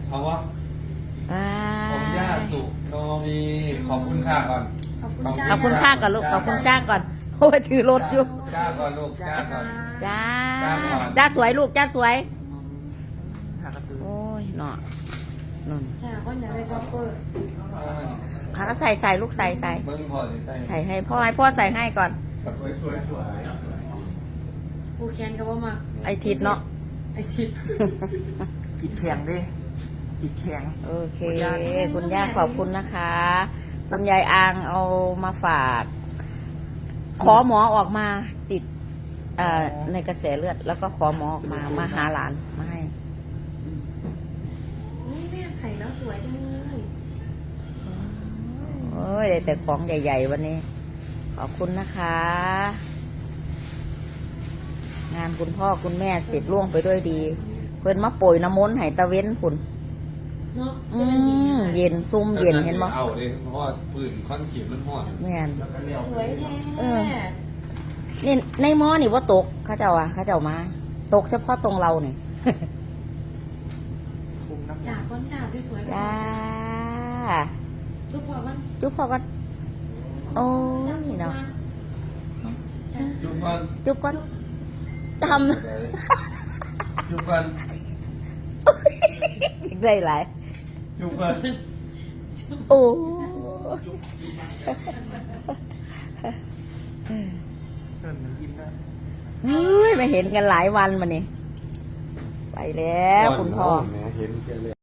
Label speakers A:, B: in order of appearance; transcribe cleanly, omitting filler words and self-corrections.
A: เอาวะ
B: อ่า
A: ผมย่าสุโนมีขอบคุณค่ะก่อน
C: ขอบคุณจ้า
B: ขอบคุณค่าก่อนลูกขอบคุณจ้าก่อนโอ้ยถือรถอยู่
A: จ้าก่อนลูกจ้าก่อน
B: จ้า
A: จ้าก่อน
B: จ้าสวยลูกจ้าสวย
D: หากระตือ
B: โอ้ยเนาะนุ่น
C: จ้าคนอยากได้ซอฟเฟอร์
B: หาก็ใส่ลูกใส่
A: เบิ้งพอสิใส่
B: ใส่ให้พ่อใส่ให้ก่อน
A: สวยสวยสวย
C: กูแคนก็ว่ามา
B: ไอทิดเนาะ
C: ไอทิพย์
D: อีกแข็งดิอีกแข็ง
B: โอเคคุณย่าขอบคุณนะคะคุณยายอางเอามาฝาก ขอหมอออกมาติดในกระแสเลือด แล้วก็ขอหมอออกมาหาหลานมาให้
C: นี่แม่ใส่แล้วสวยจังเลย
B: โอ้ยได้แต่ของใหญ่ๆวันนี้ ขอบคุณนะคะ งานคุณพ่อคุณแม่เสร็จล่วงไปด้วยดี เพิ่นมาโปรยน้ำมนต์ให้ตะเว้นพุ่น
C: เนาะ
B: เย็นซุ่มเย็นเห็นบ่
A: เอาดิเพราะว่าปืนค่อนขีดมันห่อน
B: แม่น
C: สวยแท้
B: นี่ในหม้อนี่ว่าตกเขาเจ้ามา ตกเฉพาะตรงเราเนี่ย
D: คุมน้ำ
C: จ้าคนจ้าสวยๆ
B: จ้า
C: ทุกพอกัน
B: จุ๊บพอกันโอ้ยเนาะ
A: จุ๊บก่อน
B: จุ๊บก่อนท
A: จุ๊บก่อน
B: ำจิงได้หลาย
A: จุ๊บก่อน
B: โอ้
D: เกินมันยิ้มได้
B: เฮ้ยไม่เห็นกันหลายวันมานี่ไปแล้วคุณพ่อ
A: แม่เห็นแกเลย